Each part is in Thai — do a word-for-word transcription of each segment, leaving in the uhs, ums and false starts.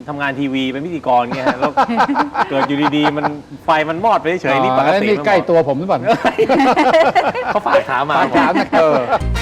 ทำงานทีวีเป็นพิธีกรเงี้ยแล้วเกิดอยู่ดีๆมันไฟมันมอดไปเฉยๆนี่ปกตินี่ใกล้ตัวผมหรือเปล่าเขาฝากถามมาฝากถามนะเออ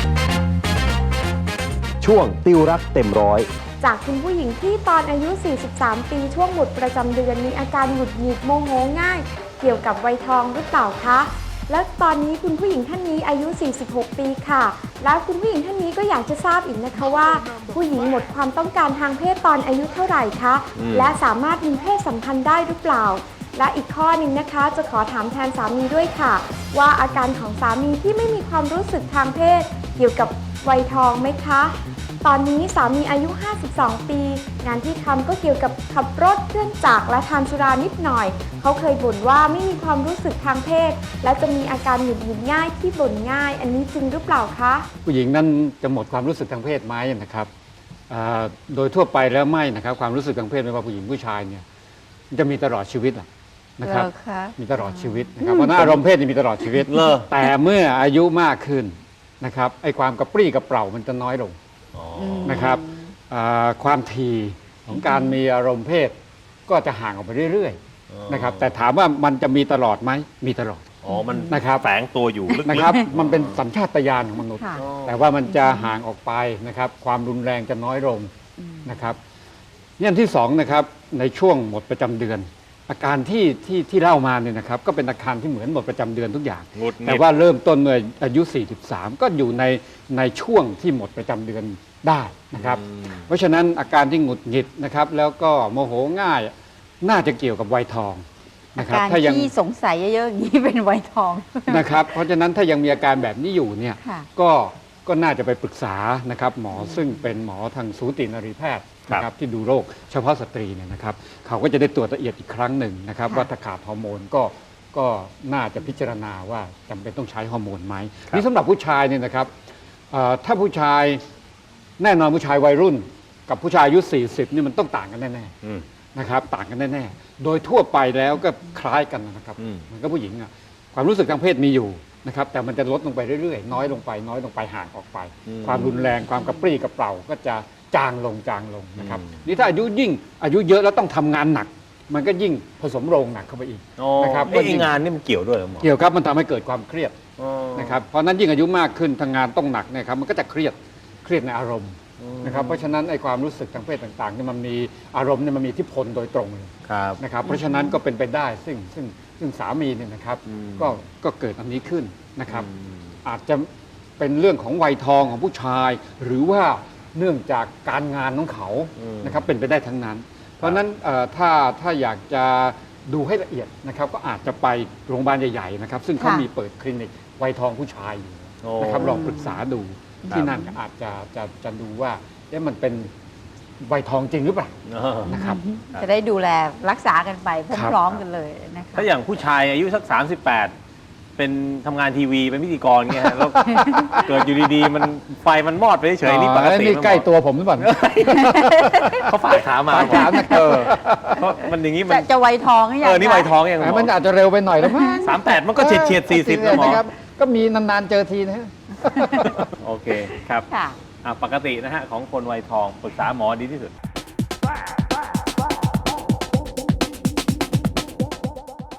ช่วงติวรักเต็มร้อยจากคุณผู้หญิงที่ตอนอายุ สี่สิบสาม ปีช่วงหมดประจำเดือนมีอาการหงุดหงิดโมโหง่าย เกี่ยวกับวัยทองหรือเปล่าคะและตอนนี้คุณผู้หญิงท่านนี้อายุ สี่สิบหก ปีค่ะแล้วคุณผู้หญิงท่านนี้ก็อยากจะทราบอีกนะคะว่าผู้หญิงหมดความต้องการทางเพศตอนอายุเท่าไหร่คะและสามารถมีเพศสัมพันธ์ได้หรือเปล่าและอีกข้อหนึ่งนะคะจะขอถามแทนสามีด้วยค่ะว่าอาการของสามีที่ไม่มีความรู้สึกทางเพศเกี่ยวกับวัยทองไหมคะตอนนี้สามีอายุ ห้าสิบสอง ปีงานที่ทำก็เกี่ยวกับขับรถเครื่องจักรและทานสุรานิดหน่อยเขาเคยบ่นว่าไม่มีความรู้สึกทางเพศและจะมีอาการหงุดหงิดง่ายที่บ่นง่ายอันนี้จริงหรือเปล่าคะผู้หญิงนั้นจะหมดความรู้สึกทางเพศไหมนะครับโดยทั่วไปแล้วไม่นะครับความรู้สึกทางเพศไม่ว่าผู้หญิงผู้ชายเนี่ยจะมีตลอดชีวิตนะครับมีตลอดชีวิตนะครับเพราะนั้นอารมณ์เพศจะมีตลอดชีวิตแต่เมื่ออายุมากขึ้นนะครับไอ้ความกระปรี้กระเปร่ามันจะน้อยลงนะครับความถี่ของการมีอารมณ์เพศก็จะห่างออกไปเรื่อยๆนะครับแต่ถามว่ามันจะมีตลอดไหมมีตลอดอ๋อมันนะครับแฝงตัวอยู่ลึกๆนะครับมันเป็นสัญชาตญาณของมนุษย์แต่ว่ามันจะห่างออกไปนะครับความรุนแรงจะน้อยลงนะครับอย่างที่สองนะครับในช่วงหมดประจำเดือนอาการที่ที่ที่เล่ามาเนี่ยนะครับก็เป็นอาการที่เหมือนหมดประจำเดือนทุกอย่างแต่ว่าเริ่มต้นเมื่ออายุ สี่สิบสาม ก็อยู่ในในช่วงที่หมดประจำเดือนได้นะครับเพราะฉะนั้นอาการที่หงุดหงิดนะครับแล้วก็โมโหง่ายน่าจะเกี่ยวกับวัยทองนะครับถ้ายังที่สงสัยเยอะๆอย่างนี้เป็นวัยทองนะครับเพราะฉะนั้นถ้ายังมีอาการแบบนี้อยู่เนี่ยก็ก็น่าจะไปปรึกษานะครับหมอซึ่งเป็นหมอทางสูตินรีแพทย์นะครับที่ดูโรคเฉพาะสตรีเนี่ยนะครับเขาก็จะได้ตรวจละเอียดอีกครั้งหนึ่งนะครับว่าถ้าขาดฮอร์โมนก็ก็น่าจะพิจารณาว่าจำเป็นต้องใช้ฮอร์โมนไหมนี่สำหรับผู้ชายเนี่ยนะครับถ้าผู้ชายแน่นอนผู้ชายวัยรุ่นกับผู้ชายอายุสี่สิบนี่มันต้องต่างกันแน่ๆนะครับต่างกันแน่ๆโดยทั่วไปแล้วก็คล้ายกันนะครับเหมือนกับผู้หญิงอะความรู้สึกทางเพศมีอยู่นะครับแต่มันจะลดลงไปเรื่อยๆน้อยลงไปน้อยลงไปห่างออกไปความรุนแรงความกระปรี้กระเปร่าก็จะจางลงจางลงนะครับนี่ถ้าอายุยิ่งอายุเยอะแล้วต้องทำงานหนักมันก็ยิ่งผสมโรงหนักเข้าไปอีกนะครับไอ้งานนี่มันเกี่ยวด้วยหรอหมอเกี่ยวครับมันทำให้เกิดความเครียดนะครับเพราะนั้นยิ่งอายุมากขึ้นทำงานต้องหนักเนี่ยครับมันก็จะเครียดเครียดในอารมณ์นะครับเพราะฉะนั้นไอ้ความรู้สึกทางเพศต่างๆนี่มันมีอารมณ์เนี่ยมันมีอิทธิพลโดยตรงเลยนะครับเพราะฉะนั้นก็เป็นไปได้ซึ่งซึ่งซึ่งสามีเนี่ยนะครับก็ก็เกิดอันนี้ขึ้นนะครับอาจจะเป็นเรื่องของวัยทองของผู้ชายหรือว่าเนื่องจากการงานของเขานะครับเป็นไปได้ทั้งนั้นเพราะฉะนั้นถ้าถ้าอยากจะดูให้ละเอียดนะครับก็อาจจะไปโรงพยาบาลใหญ่ๆนะครับซึ่งเขามีเปิดคลินิกวัยทองผู้ชายอยู่นะครับลองปรึกษาดูที่นั่นอาจจะจะจะดูว่าเอ๊ะมันเป็นวัยทองจริงหรือเปล่านะครับจะได้ดูแลรักษากันไปพร้อมๆกันเลยนะคะถ้าอย่างผู้ชายอายุสักสามสิบแปดเป็นทำงานทีวีเป็นพิธีกรเงี้ยแล้วเกิดอยู่ดีๆมันไฟมันมอดไปเฉยๆนี่ปกตินี่ใกล้ตัวผมหรือเปล่าเขาฝากถามมาฝากถามนะเออเพราะมันอย่างนี้มันจะวัยทองยังเออนี่วัยทองยังมันอาจจะเร็วไปหน่อยแล้วมั้งสามแปดมันก็เฉียดเฉียดสี่สิบนะครับก็มีนานๆเจอทีนะฮะโอเคครับปกตินะฮะของคนวัยทองปรึกษาหมอดีที่สุด